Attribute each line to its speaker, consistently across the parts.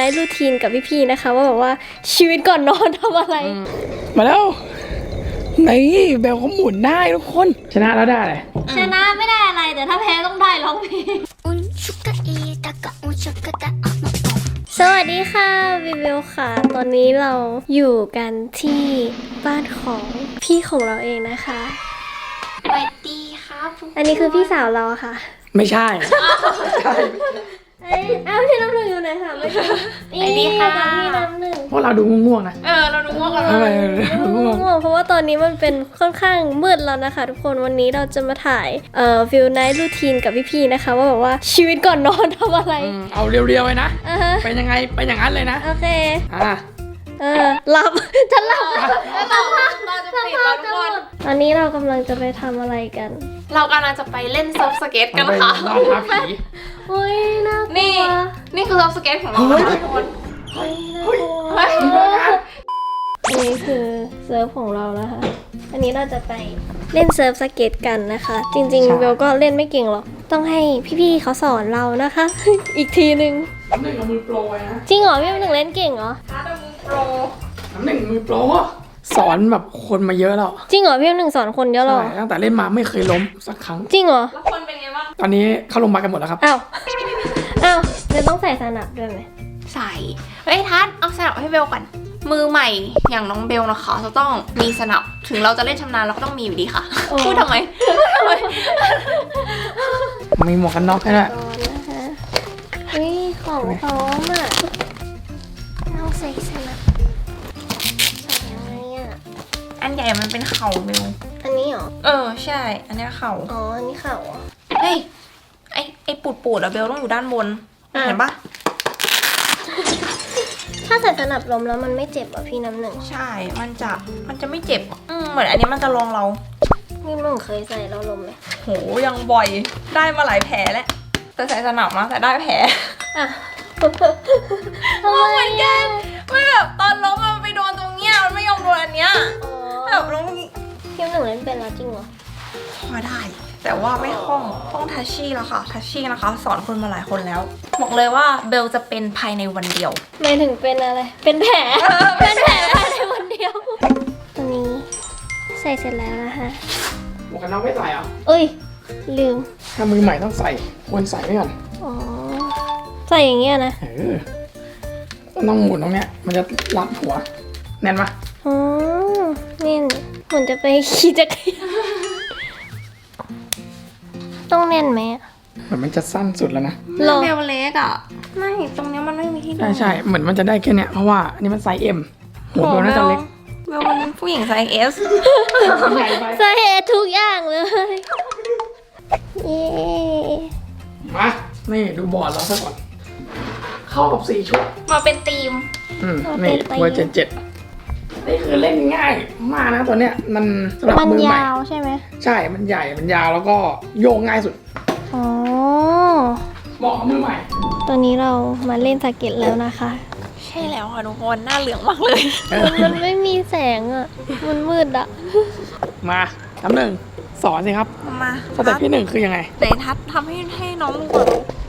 Speaker 1: ท์รูทีนกับพี่ๆนะคะว่าแบบว่าชีวิตก่อนนอนทำอะไร
Speaker 2: มาแล้วนี่เบลเขาหมุนได้ทุกคนชนะแล้วได้อะไร
Speaker 1: ชนะไม่ได้อะไรแต่ถ้าแพ้ต้องได้ร้องเพลงสวัสดีค่ะวิวค่ะตอนนี้เราอยู่กันที่บ้านของพี่ของเราเองนะคะ
Speaker 3: สวัสดีครับ
Speaker 1: อันนี้คือพี่สาวเราค่ะ
Speaker 2: ไม่ใช่
Speaker 1: อ้าวพี่น้ำหนึ่งอยู่ไหนคะไม่ใช่นี่ค่ะพี่น้ำหนึ่ง
Speaker 2: พวกเราดูง่วงๆนะ
Speaker 3: เราดูง่วงกัน
Speaker 1: ง่วงเพราะว่าตอนนี้มันเป็นค่อนข้างมืดแล้วนะคะทุกคนวันนี้เราจะมาถ่ายฟิลไนท์รูทีนกับพี่ๆนะคะว่าแบบว่าชีวิตก่อนนอนทำอะไร
Speaker 2: เอาเรียวๆเลยนะเป็นยังไงเป็นอย่างนั้นเลยนะ
Speaker 1: โอเคหลับฉันหลับ
Speaker 3: เราจะปิดแล้วทุกคน
Speaker 1: ตอนนี้เรากำลังจะไปทำอะไรกัน
Speaker 3: เรากำลังจะไปเล่นเซิร์ฟสเก็ตกันค่ะ
Speaker 2: นอนทับผี
Speaker 1: โอ้ยน่ากลัว
Speaker 3: นี่คือเซิร์ฟสเก็ตของเราทุกคน
Speaker 1: อันนี้คือเซิร์ฟของเรานะคะอันนี้เราจะไปเล่นเซิร์ฟสเก็ตกันนะคะจริงๆเบลก็เล่นไม่เก่งหรอกต้องให้พี่ๆเขาสอนเรานะคะ อีกทีนึง
Speaker 2: น้ำหนึ่งเอามือโปรไว้นะ
Speaker 1: จริงเหรอพี่น้ำหนึ่งเล่นเก่งเหรอ
Speaker 2: น้ำหนึ่งมือโปรสอนแบบคนมาเยอะแล้ว
Speaker 1: จริงเหรอพี่น้ำหนึ่งสอนคนเยอะหรอ
Speaker 2: ตั้งแต่เล่นมาไม่เคยล้มสักครั้ง
Speaker 1: จริงเหรอ
Speaker 3: แล้วคนเป็นไงบ้าง
Speaker 2: ตอนนี้เข้าโรงพยาบาลกันหมดแล้วครับ
Speaker 1: อ้าวเบลต้องใส่สนับด้วยไหม
Speaker 3: ใส่ทัศน์เอาสนับให้เบลก่อนมือใหม่อย่างน้องเบลนะคะจะต้องมีสนับถึงเราจะเล่นชำนาญเราก็ต้องมีอยู่ดีค่ะพูดทำไม
Speaker 2: มีหมวกกันน็อกให้ด้วย
Speaker 1: ของพร้อมอ่ะเราใส่สนับใส่ยังไงอ่ะ
Speaker 3: อันใหญ่มันเป็นเข่าเบล
Speaker 1: อันนี้เหรอ
Speaker 3: ใช่อันนี้เข่า
Speaker 1: อันนี้เข่า
Speaker 3: เฮ้ยไอ้ปูดอะเบลต้องอยู่ด้านบนเห็นปะ
Speaker 1: ถ้าใส่สนับลมแล้วมันไม่เจ็บอ่ะพี่น้ำหนึ่ง
Speaker 3: ใช่มันจะไม่เจ็บเหมือนอันนี้มันจะลองเรา
Speaker 1: พี่น้ำหนึ่งเคยใส่แล้วลมไหม
Speaker 3: โหยังบ่อยได้มาหลายแผลแล้วแต่ใส่สนับนะแต่ได้แผลเหมือนกันไม่แบบตอนล้มมันไปโดนตรงเนี้ยมันไม่ยอมโดนอันเนี้ยแบบล้ม
Speaker 1: พี่น้ำหนึ่งเล่นเป็นแล้วจริงเหรอ
Speaker 3: พอได้แต่ว่าไม่คล่องต้องทัชชี่แล้วค่ะทัชชี่นะคะสอนคนมาหลายคนแล้วบอกเลยว่าเบลจะเป็นภายในวันเดียว
Speaker 1: ไม่ถึงเป็นอะไรเป็นแผลเป็นแผลภายในวันเดียวตอนนี้ใส่เสร็จแล้วนะคะ
Speaker 2: หมวกกันน็อกไม่ใส่อ่ะ
Speaker 1: ลืม
Speaker 2: ถ้ามือใหม่ต้องใส่ควรใส่ไว้ก่อน
Speaker 1: ใส่อย่างเงี้ยนะ
Speaker 2: ต้องหมุนตรงเนี้ยมันจะรัดหัวแน่นปะ
Speaker 1: แน่นเหมือนจะไปขี่จักรยานต้องแน่นไหม
Speaker 2: เหมือนมันจะสั้นสุดแล้วนะ
Speaker 3: เบลเล็กอ่ะไม่ตรงนี้มันไม่มีที่
Speaker 2: ใช่เหมือนมันจะได้แค่เนี้ยเพราะว่าอันนี้มันไซส์ M หัวเบลน่าจะเล็ก
Speaker 3: เบลเป็นผู้หญิงไซส์ S
Speaker 1: ไซส์ S ทุกอย่างเลย
Speaker 2: มานี่ดูบอร์ดเราซะก่อนเข้ากับ4ชุด
Speaker 3: มาเป็นทีม
Speaker 2: นี่เบอร์77นี่คือเล่นง่ายมากนะตัวเนี้ยมันสำหรับมือใหม่
Speaker 1: ยาวใช่ไหม
Speaker 2: ใช่มันใหญ่มันยาวแล้วก็โยงง่ายสุดเหมาะกับมือใหม่
Speaker 1: ตอนนี้เรามาเล่นสเก็ตแล้วนะคะ
Speaker 3: ใช่แล้วค่ะทุกคนหน้าเหลืองมากเลย
Speaker 1: มันไม่มีแสงอ่ะมันมืดอ่ะ
Speaker 2: มาน้ำหนึ่งสอนสิครับ
Speaker 3: มา
Speaker 2: สเต็ปที่1คือยังไง
Speaker 3: ไหนทัดทำให้น้องดูก่อน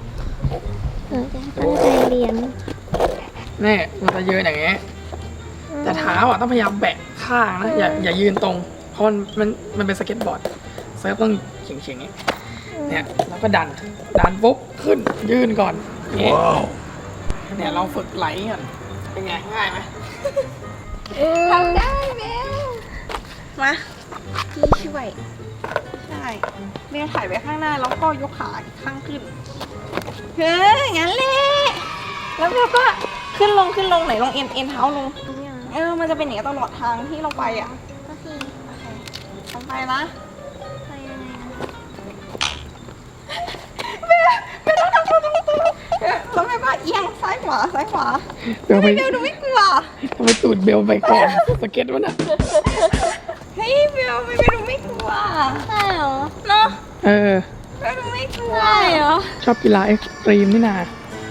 Speaker 1: ตั้งใจเรียน
Speaker 2: นี่มันจะยืนอย่างเงี้ยแต่เท้าอ่ะต้องพยายามแบะข้างนะอย่ายืนตรงเพราะมันเป็นสเก็ตบอร์ดเซิร์ฟต้องเฉียงๆเนี่ยแล้วก็ดันปุ๊บขึ้นยืนก่อนเนี่ยเราฝึกไหลก่อนเป็นไงง่ายไหม
Speaker 3: ทำได้เบลมาพี่ช่วยใช่เบลถ่ายไว้ข้างหน้าแล้วก็ยกขาข้างขึ้นงั้นเลยแล้วเบลก็ขึ้นลงไหนลงเอ็นเท้าลงมันจะเป็นอย่างนี้ตลอดทางที่เราไปอ่ะโอเคทำไปนะไปยังไงไม่ต้องทำตัวแล้วแม่ก็เอียงซ้ายขวาเบลดูไม่กลัว
Speaker 2: ทำไมตูดเบลไปก่อนสเก็ตวะน่ะ
Speaker 3: เฮ้ยเบลดูไม่กลัว
Speaker 1: ใช่เหรอ
Speaker 3: เนาะ
Speaker 2: เ
Speaker 3: บลดูไม่กลัวเหรอ
Speaker 2: ชอบกีฬาเอ็กซ์ตรีมนี่นา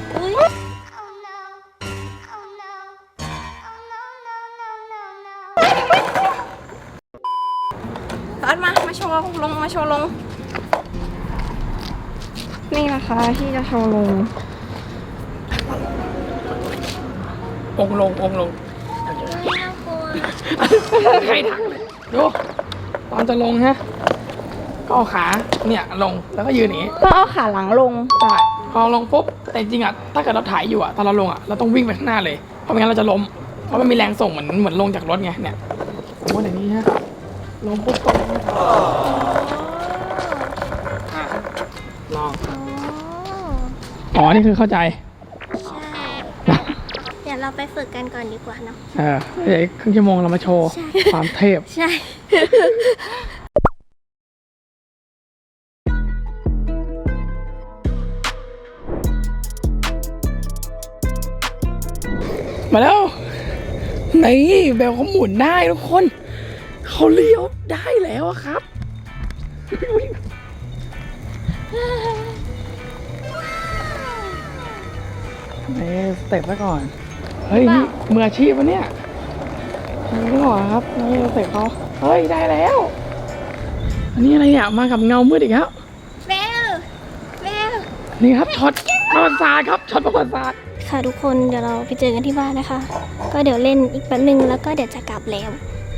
Speaker 3: มาโชว์ลงนี่นะคะที่จะโชว์ลง
Speaker 2: องค์ลง
Speaker 1: น่ากลัว
Speaker 2: ใครถักเลยดูตอนจะลงฮะก็เอาขาเนี่ยลงแล้วก็ยืนอย่างนี้
Speaker 3: ก็เอาขาหลังลง
Speaker 2: ใช่พอลงปุ๊บแต่จริงๆอ่ะถ้าเกิดเราถ่ายอยู่อ่ะตอนเราลงอ่ะเราต้องวิ่งไปข้างหน้าเลยเพราะไม่งั้นเราจะล้มเพราะมันมีแรงส่งเหมือนลงจากรถไงเนี่ยโอ้โหอย่างนี้ฮะลงปุ๊บตรงอ่ะลองอ๋อนี่คือเข้าใจ
Speaker 1: ใช่ เดี๋ยวเราไปฝึกกันก่อนดีกว่าเนาะ
Speaker 2: เดี๋ยวอีกครึ่งชั่วโมงเรามาโชว์
Speaker 1: ใช่
Speaker 2: ความเทพ
Speaker 1: ใช่
Speaker 2: มาแล้วนี่เบลเขาหมุนได้ทุกคนเขาเลี้ยวได้แล้วอะครับนี่สเต็ปไว้ก่อนเฮ้ยนี่มืออาชีพวะเนี่ยนี่ก่อนครับนี่สเต็ปเขาเฮ้ยได้แล้วอันนี้อะไรเนี่ยมากับเงามืดอีกแล้ว
Speaker 1: เบล เบล
Speaker 2: นี่ครับช็อตประวัติศาสตร์ครับช็อตประวัติศาสตร์
Speaker 1: ค่ะทุกคนเดี๋ยวเราไปเจอกันที่บ้านนะคะ ก็เดี๋ยวเล่นอีกแป๊บนึงแล้วก็เดี๋ยวจะกลับแล้ว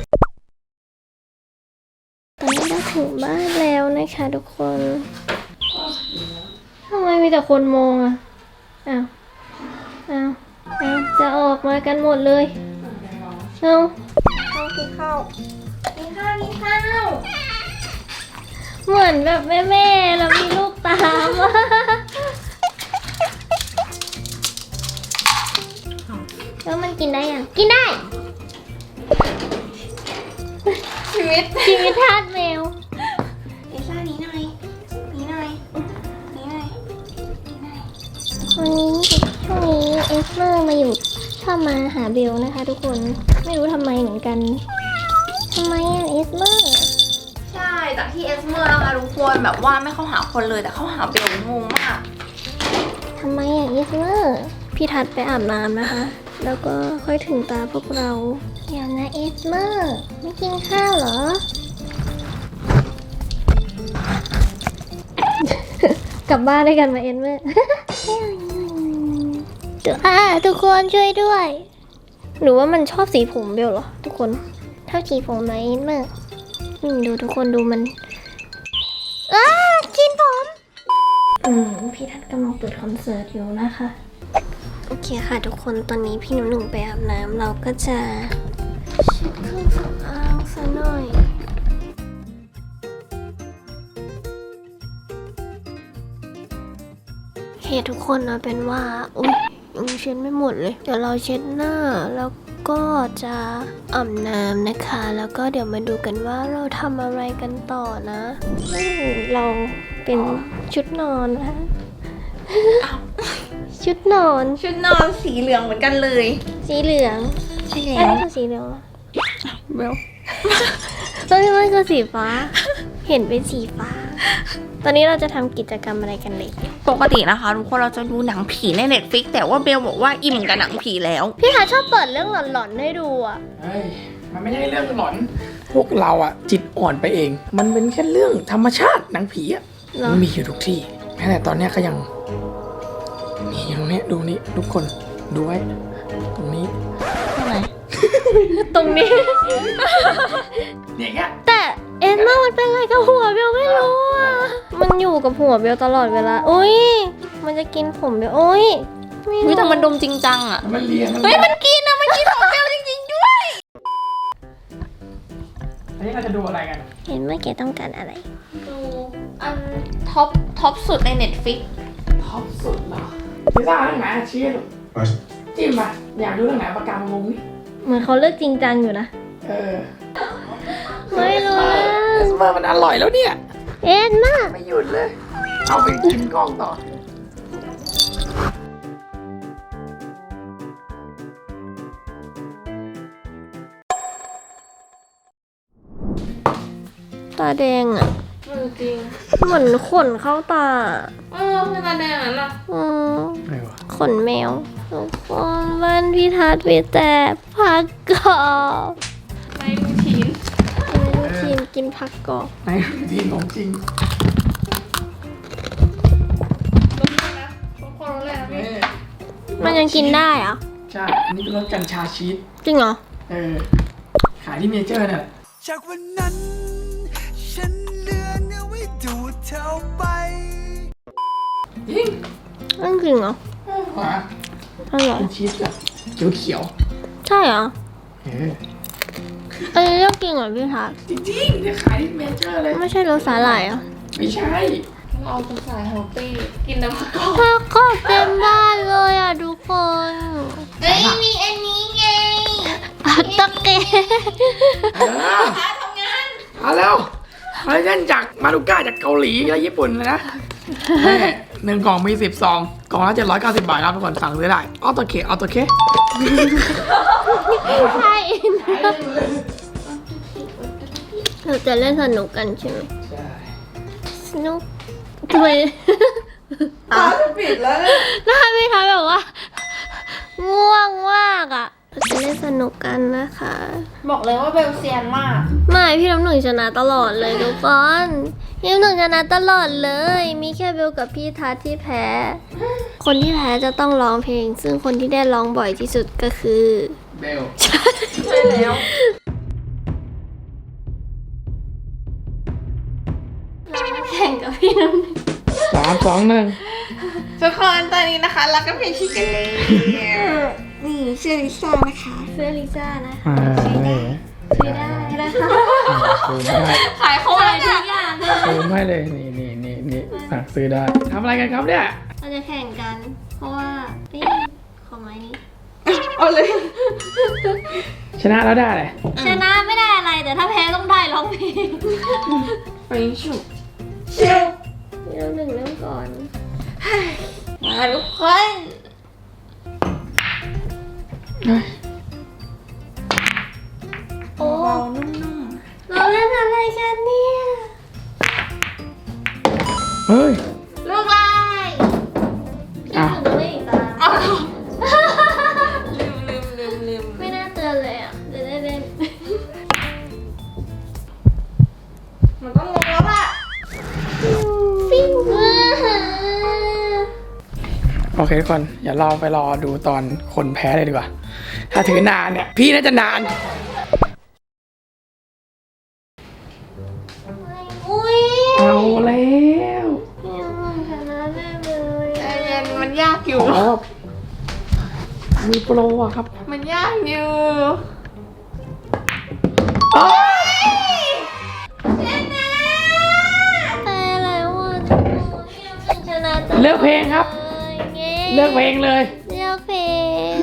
Speaker 1: ตอนนี้เราถึงบ้านแล้วนะคะทุกคนทำไมมีแต่คนมองอ่ะอ้าวจะออกมากันหมดเลยเอากินข้าวเหมือนแบบแม่แล้วมีลูกตามอ่ะแล้วมันกินได้ยังกินได้ ชีวิตทาสแมวเอซ่านี้หน่อยวันนี้ช่วงนี้เอสเมอร์มาอยู่ชอบมาหาเบลนะคะทุกคนไม่รู้ทำไมเหมือนกันทำไมอ่ะเอสเมอร์
Speaker 3: ใช่ จากที่เอสเมอร์นะคะทุกคนแบบว่าไม่เข้าหาคนเลยแต่เข้าหาเบลงงมาก
Speaker 1: ทำไมอ่ะเอสเมอร์พี่ทัดไปอาบน้ำนะคะ แล้วก็ค่อยถึงตาพวกเราเดี๋ยวนะเอสเมอร์ไม่กินข้าวเหรอ กลับบ้านด้วยกันมาเอสเมอร์ ทุกคนช่วยด้วย หรือว่ามันชอบสีผมเบลเหรอทุกคนชอบสีผมไหมเอสเมอร์ดูทุกคนดูมันกินผมพี่ทัดกำลังเปิดคอนเสิร์ตอยู่นะคะโอเคค่ะทุกคนตอนนี้พี่หนุ่มไปอาบน้ำเราก็จะเช็ดเครื่องสำอางซะหน่อยเฮ้ทุกคนเอาเป็นว่าอุ๊ยยังเช็ดไม่หมดเลยเดี๋ยวเราเช็ดหน้าแล้วก็จะอาบน้ำนะคะ แล้วก็เดี๋ยวมาดูกันว่าเราทำอะไรกันต่อนะเราเป็นชุดนอนนะคะชุดนอน
Speaker 3: สีเหลืองเหมือนกันเลย
Speaker 1: สีเหลือง
Speaker 3: ใช่
Speaker 1: ใช่
Speaker 3: แล้ว
Speaker 1: คือสีเหลืองเหรอ
Speaker 2: เบล
Speaker 1: ตอนนี้มันคือสีฟ้า เห็นเป็นสีฟ้า ตอนนี้เราจะทำกิจกรรมอะไรกันเลย
Speaker 3: ปกตินะคะทุกคนเราจะดูหนังผีใน Netflix แต่ว่าเบลบอกว่าอิ่มกับหนังผีแล้ว
Speaker 1: พี่หาชอบเปิดเรื่องหลอนๆให้ดูอ่ะ
Speaker 2: เฮ้ยมันไม่ใช่เรื่องหลอนพวกเราอะจิตอ่อนไปเอง มันเป็นแค่เรื่องธรรมชาติหนังผีอะ
Speaker 1: เหรอ
Speaker 2: มันมีอยู่ทุกที่แม้แต่ตอนเนี้ยก็ยังมีอยู่ตรงนี้ดูนี่ทุกคนดูไว้ตรงนี้
Speaker 1: ตรงนี้
Speaker 2: เนี่ยแค่
Speaker 1: แต่เอ็นมามันเป็นอะไรกับหัวเบลไม่รู้อ่ะ มันอยู่กับหัวเบลตลอดเวลาอุ้ยมันจะกินผมเบลอุ้ยไม่รู้
Speaker 3: แต่มันดมจริงจังอ่ะ
Speaker 2: มันเลีย
Speaker 3: เฮ้ยมันกินอะมันกินของเบลจริงๆด้วย
Speaker 2: อันนี้เราจะดูอะไรกัน
Speaker 1: เห็นว่าแกต้องการอะไร
Speaker 3: ดูอันท็อปสุดใน Netflix
Speaker 2: ท็อปสุดเหรอพิซซ่าเรื่องไหนชี้ดูจิ้มมาอยากดูเรื่องไหนปากกามาวงนี่
Speaker 1: เหมือนเขาเลิกจริงจังอยู่นะ ไม่รู้
Speaker 2: เอสเมอร์มันอร่อยแล้วเนี่ย
Speaker 1: เอ็นมา
Speaker 2: ไม่หยุดเลย เอาไปกินกล้องต่อ
Speaker 1: ตาแดงอ่ะ
Speaker 3: จริง
Speaker 1: เหมือนขนเข้าตา
Speaker 3: คือตาแดงนั่นอะ
Speaker 1: อืม
Speaker 2: ไม่วะ
Speaker 1: ขนแมวทุกคนบ้านพี่ทัศน์มีแต่ผักกรอบ
Speaker 3: ไม่รูทีน
Speaker 1: กินผักกรอบ
Speaker 2: ในรูทีนของจริง
Speaker 3: รสเลยนะทุกคนรสเลยนะพี่
Speaker 1: มันยังกินได้เหรอ
Speaker 2: ใช่อันนี้เป็นรสกัญชาชีส
Speaker 1: จริงเหรอ
Speaker 2: ขายที่เมเจอร์เนี่ย
Speaker 4: จากวันนั้น ฉันเลือนเอาไว้ดูดเธอไป
Speaker 2: จริง
Speaker 1: นั่นจริงเหรอ
Speaker 2: หวาน
Speaker 1: อร่อย
Speaker 2: เป็นชีสแบบเขียว
Speaker 1: ใช่เหรอ
Speaker 2: ๆ
Speaker 1: อันนี้เรียกจริงเหรอพี่ทัศน์
Speaker 2: จริงๆเนี่ยขายที่เมเจอร์เลย
Speaker 1: ไม่ใช่รสสาหร่ายเหรอ่ะ
Speaker 2: ไม่ใช่
Speaker 3: เราเป็นสายเฮลตี้กินน้ำผัก
Speaker 1: ถ้าก็เต็มบ้านเลยอ่ะทุกคน
Speaker 3: เฮ้ยมีอันนี้ไง
Speaker 1: อัตตะเก
Speaker 2: ทำงานเอาแล้วคอลลาเจนจากมาดูก้าจากเกาหลีและญี่ปุ่นเลยนะหนึ่งกล่องมี10 ซองกล่องละ790 บาทครับทุกคนสั่งซื้อได้ออโตเค
Speaker 1: ใช่เราจะเล่นสนุกกันใช่ไหม
Speaker 2: ใช่
Speaker 1: สนุกทำไม
Speaker 3: ตาจะปิดแล้วเนี่ย
Speaker 1: หน้าพี่ทัศน์แบบว่า ง่วงมากอ่ะเราจะเล่นสนุกกันนะคะ
Speaker 3: บอกเลยว่าเบลเซียนมาก
Speaker 1: ไม่พี่น้ำหนึ่งชนะตลอดเลยทุกคนพี่น้ำหนึ่งชนะตลอดเลย มีแค่เบลกับพี่ทัศน์ที่แพ้ คนที่แพ้จะต้องร้องเพลง ซึ่งคนที่ได้ร้องบ่อยที่สุดก็คือ
Speaker 2: เบล
Speaker 3: ใช่แล้ว
Speaker 1: เรามาแข่งกับพี่น้ำหนึ่ง
Speaker 2: 3 2 1
Speaker 3: ทุกคนตอนนี้นะคะเราก็เพลงชิคกันเลยนี่ชื่อลิซ่านะคะ
Speaker 1: เสื้อลิซ่านะ
Speaker 2: นี่
Speaker 1: ซื้อได้นะคะ
Speaker 2: ซูมให้
Speaker 3: ขายของ
Speaker 1: ขายทุกอย่างเลย
Speaker 2: ซูมให้เลยนี่สั่งซื้อได้ทำอะไรกันครับเนี่ย
Speaker 1: เราจะแข่งกัน เพราะว่านี่ของไม้นี้
Speaker 3: เอาเลย
Speaker 2: ชนะแล้วได้เลย
Speaker 1: ชนะไม่ได้อะไรแต่ถ้าแพ้ต้องได้ร้องเพลง
Speaker 3: ไปฉุบเชียว
Speaker 1: พี่น้ำหนึ่งเริ่มก่อน
Speaker 3: มาทุกคน
Speaker 1: โอ้
Speaker 3: เบาๆนุ่ม
Speaker 1: เราเล่นอะไรกันเนี่ย
Speaker 2: เฮ้ย
Speaker 3: ๆลูกลาย
Speaker 2: อ้าว
Speaker 1: ไม่ตาม
Speaker 3: อ้าวลืม
Speaker 1: ไม่น่าเตือนเลยอ่ะจะได้เล่น
Speaker 3: มันต้องลงแล้วล่ะ
Speaker 1: ปิ้ง
Speaker 2: โอเคทุกคนอย่าเราไปรอดูตอนคนแพ้เลยดีกว่า ถ้าถือนานเนี่ย พี่น่าจะนาน
Speaker 1: อุ้ย
Speaker 2: เอาแล้ว
Speaker 1: ยังไม่ชนะได้เลย
Speaker 3: ใจเย็นมันยากอยู่
Speaker 2: อ๋อมีโปรอะครับ
Speaker 3: มันยากอยู่
Speaker 2: โอ้ย
Speaker 1: แต่แล้วอ่ะทุกคนยังชนะ
Speaker 2: เลือกเพลงครับ เลือกเพลงเลย
Speaker 1: เลือกเพลง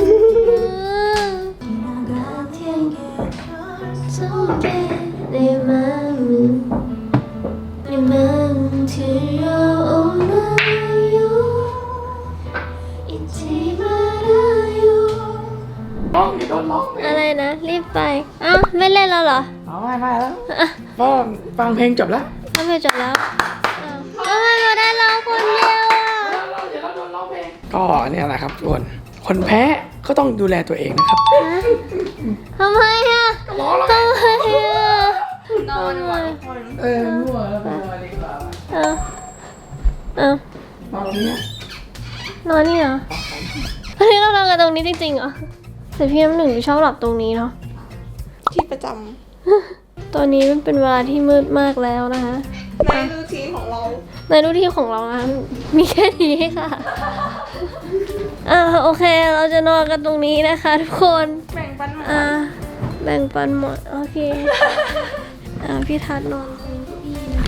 Speaker 2: ร้องอย่าโดนร้องเพลง
Speaker 1: อะไรนะ รีบไปอ้าวไม่เล่นแล้วเหรอ
Speaker 2: อ๋อไม่แล้วก็ฟังเพลงจบแล้ว
Speaker 1: ทำไมจบแล้วอ้าวทำไมเราได้ร้องคนเดียวอ่ะ
Speaker 2: ก็เนี่ยแหละครับทุกคน คนแพ้ก็ต้องดูแลตัวเองนะครับ
Speaker 1: ทำไมอ่ะ
Speaker 2: ร้องแล้ว
Speaker 1: ทำไมอ่ะ
Speaker 3: นอนดีกว่าทุกคน
Speaker 2: มั่วแล้วไปนอนดีกว่า
Speaker 1: เอาเอา
Speaker 2: นอนตรงเนี้ย
Speaker 1: นอนนี่เหรออันนี้เรานอนกันตรงนี้จริงๆเหรอแต่พี่น้ำหนึ่งชอบหลับตรงนี้เนาะ
Speaker 3: ที่ประจ
Speaker 1: ตอนนี้มันเป็นเวลาที่มืดมากแล้วนะคะ
Speaker 3: ำในรูทีนของเรา
Speaker 1: ในรูที่ของเรานะมีแค่นี้ค่ะโอเค เราจะนอนกันตรงนี้นะคะทุกคน
Speaker 3: แบ่งปันหมด
Speaker 1: แบ่งปันหมด โอเค พี่ทัศน์นอนตรงนี้นะ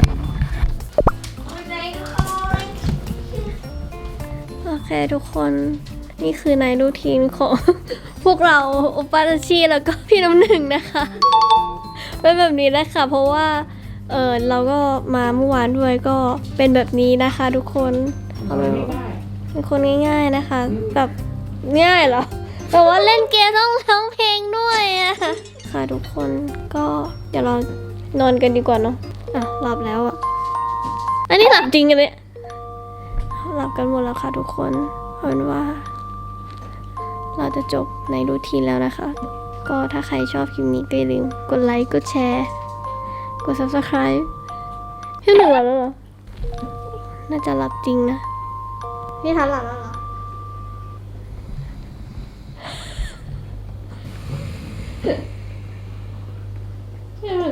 Speaker 1: โอเคทุกคน นี่คือในรูทีนของ พวกเราอุปาตชีแล้วก็พี่น้ำหนึ่งนะคะ เป็นแบบนี้นะคะเพราะว่าเราก็มาเมื่อวานด้วยก็เป็นแบบนี้นะคะทุกคนเป็นคนง่ายๆนะคะ แบบง่ายเหรอแต่ว่าเล่นเกมต้องร้องเพลงด้วยอะค่ะทุกคนก็เดี๋ยวเรานอนกันดีกว่าเนาะหลับแล้วอะอันนี้หลับจริงกันเนี่ยหลับกันหมดแล้วค่ะทุกคนเอาเป็นว่า เราจะจบในรูทีนแล้วนะคะ ก็ถ้าใครชอบคลิปนี้ก็อย่าลืมกดไลค์ กดแชร์ กด subscribe พี่หนึ่งหลับแล้วเหรอ น่าจะหลับจริงนะ พี่ทันหลับแล้วเหรอ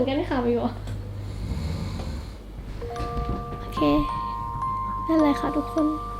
Speaker 1: กันไม่ขับอยู่โอเคนั่นเลยค่ะทุกคน